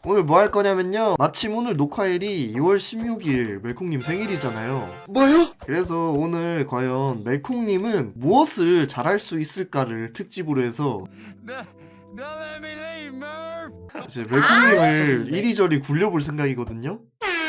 오늘 뭐 할 거냐면요, 마침 오늘 녹화일이 2월 16일 멜콩님 생일이잖아요. 뭐요? 그래서 오늘 과연 멜콩님은 무엇을 잘할 수 있을까를 특집으로 해서 이제 멜콩님을 이리저리 굴려볼 생각이거든요.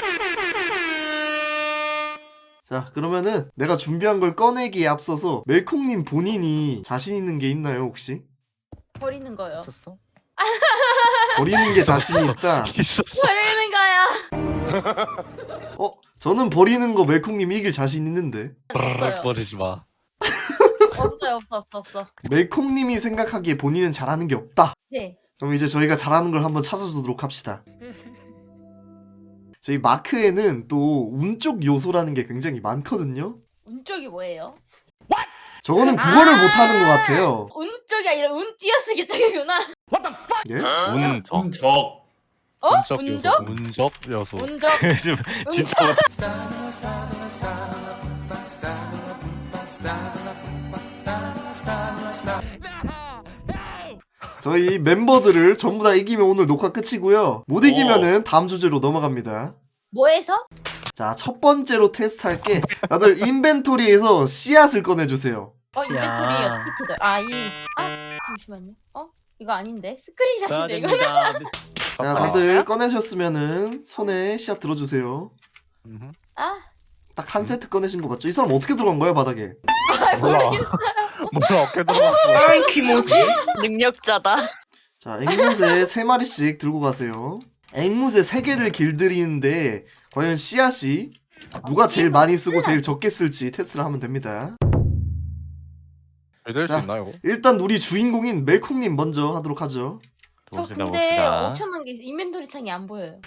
자, 그러면은 내가 준비한 걸 꺼내기에 앞서서 멜콩님 본인이 자신 있는 게 있나요, 혹시? 버리는 거요. 있었어? 버리는 게 자신이 있다. 있었어. 버리는 거야. 저는 버리는 거 멜콩님 이길 자신 있는데. 없어요. 버리지 마. 없어요. 없어. 멜콩님이 생각하기에 본인은 잘하는 게 없다. 네. 그럼 이제 저희가 잘하는 걸 한번 찾아주도록 합시다. 저희 마크에는 또 운쪽 요소라는 게 굉장히 많거든요. 운쪽이 뭐예요? 저거는 국어를 못하는 것 같아요. 운쪽이 아니라 운 띄어쓰기 쪽이구나. 예? 운적. 어? 운적 요소. 운적? 운적 요소. 운적. 진짜 못. 저희 멤버들을 전부 다 이기면 오늘 녹화 끝이고요. 못 이기면은 다음 주제로 넘어갑니다. 뭐해서? 자, 첫 번째로 테스트할게. 다들 인벤토리에서 씨앗을 꺼내주세요. 인벤토리 어떻게 돼? 잠시만요. 이거 아닌데? 스크린샷인데 이거. 자, 다들 꺼내셨으면은 손에 씨앗 들어주세요. 딱 한 세트 꺼내신 거 맞죠? 이 사람 어떻게 들어간 거야, 바닥에? 몰라. 몰라 어깨 들어갔어. 아이 키모지? 능력자다. 자, 앵무새 3마리씩 들고 가세요. 앵무새 3개를 길들이는데 과연 씨앗이 누가 제일 많이 쓰고 제일 적게 쓸지 테스트를 하면 됩니다. 될수 자, 있나 이거? 일단 우리 주인공인 멜콩님 먼저 하도록 하죠. 저 근데 엄청난 게 인벤토리 창이 안 보여요.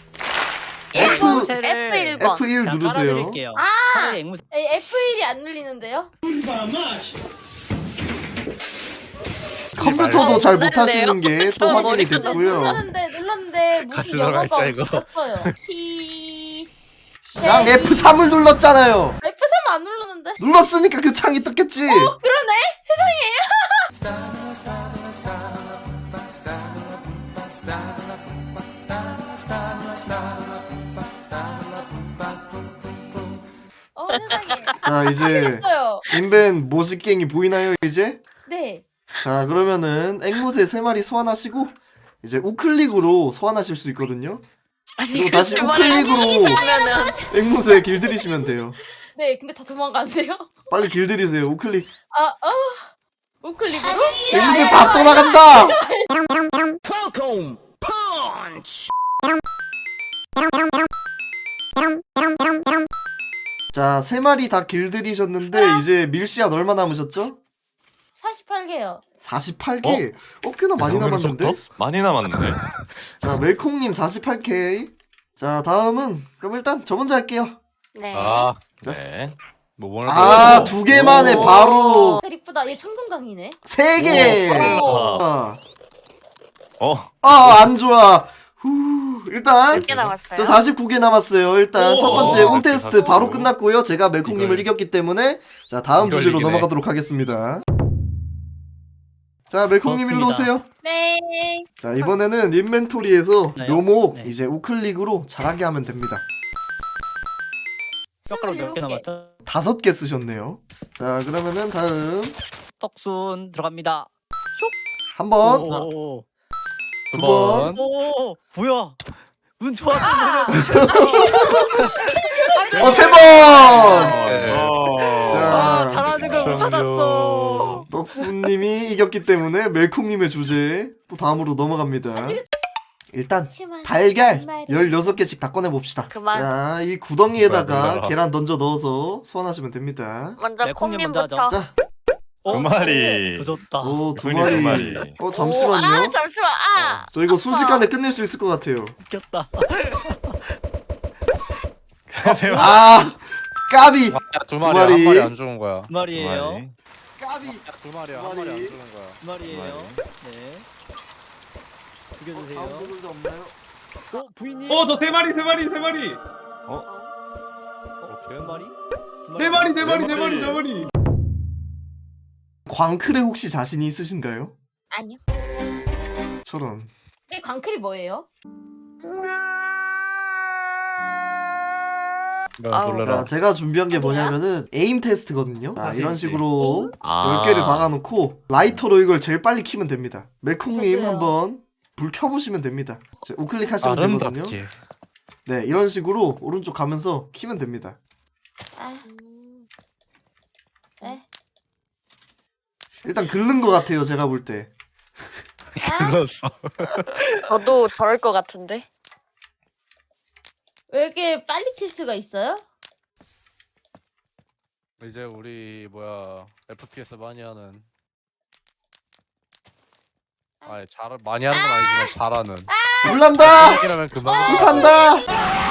F1번. F1 누르세요. F1이 안 눌리는데요? 컴퓨터도 잘 눌렀네요. 못하시는 게 또 저 확인이 머리가 됐고요. 눌렀는데 같이 무슨 들어가 영어가 있자, 이거. 없어요. T 양 F3을 눌렀잖아요. F3 안 누르는데? 눌렀으니까 그 창이 떴겠지. 그러네? 세상에. 자, 이제 했어요. 인벤 모식갱이 보이나요, 이제? 네. 자, 그러면은 앵무새 3마리 소환하시고 이제 우클릭으로 소환하실 수 있거든요. 그리고 다시 우클릭으로 하면은 앵무새 길들이시면 돼요. 네, 근데 다 도망가는데요? 빨리 길들이세요. 우클릭. 우클릭으로? 앵무새 다 떠나간다. 펑콩 펀치. 자, 3마리 다 길들이셨는데 이제 밀씨앗 얼마 남으셨죠? 48개요. 48개. 꽤나 많이 남았는데? 많이 남았는데. 자, 멜콩님 48K. 자, 다음은 그럼 일단 저 먼저 할게요. 네. 네. 뭐 2개 만에 오. 바로 이쁘다. 얘 청금강이네. 3개. 빨라. 안 좋아. 일단 몇 개 남았어요? 저 49개 남았어요. 일단 첫 번째 운 테스트 49. 바로 끝났고요. 제가 멜콩님을 이겼기 때문에 자, 다음 이걸 주제로 이기네. 넘어가도록 하겠습니다. 자, 멜콩님 일로 오세요. 네. 자, 이번에는 인벤토리에서 네. 묘목 네. 이제 우클릭으로 잘하게 하면 됩니다. 젓가락 몇 개 27개. 남았죠? 5개 쓰셨네요. 자, 그러면은 다음 떡순 들어갑니다. 한 번, 오, 두 번, 오, 뭐야? 운 좋았어. 세 번. 자, 잘하는 걸 못 찾았어. 떡수님이 이겼기 때문에 멜콩님의 주제 또 다음으로 넘어갑니다. 일단 달걀 16개씩 다 꺼내봅시다. 그만. 자, 이 구덩이에다가 놀라라. 계란 던져 넣어서 소환하시면 됩니다. 먼저 네, 콩님 먼저 콩님부터. 자, 두 마리. 조졌다. 오, 2마리. 두 마리. 잠시만요. 잠시만. 저 이거 순식간에 끝낼 수 있을 것 같아요. 웃겼다. 까비. 두 마리. 마리. 한 마리 안 죽은 거야. 두 마리예요. 까비. 두 마리야. 두 한 마리 안 마리. 죽은 거야. 두 마리예요. 네. 죽여주세요. 다음 분들도 없나요? 부인님. 저 세 마리. 두 마리? 네 마리. 광클에 혹시 자신이 있으신가요? 아니요. 저런. 광클이 뭐예요? 야, 놀래라. 자, 제가 준비한 게 어디야? 뭐냐면은 에임 테스트거든요. 자, 이런 식으로 아. 10개를 박아놓고 라이터로 이걸 제일 빨리 키면 됩니다. 멜콩님 저도요. 한번 불 켜보시면 됩니다. 자, 우클릭하시면 되거든요. 아름답게. 네, 이런 식으로 오른쪽 가면서 키면 됩니다. 아. 에? 일단 긁는 것 같아요, 제가 볼 때. 아? 그렇어. 저도 저럴 것 같은데. 왜 이렇게 빨리 킬 수가 있어요? 이제 우리 뭐야 FPS 많이 하는. 아니 잘 많이 하는 건 아니지만 잘하는. 불난다! 이라면 그만. 불탄다!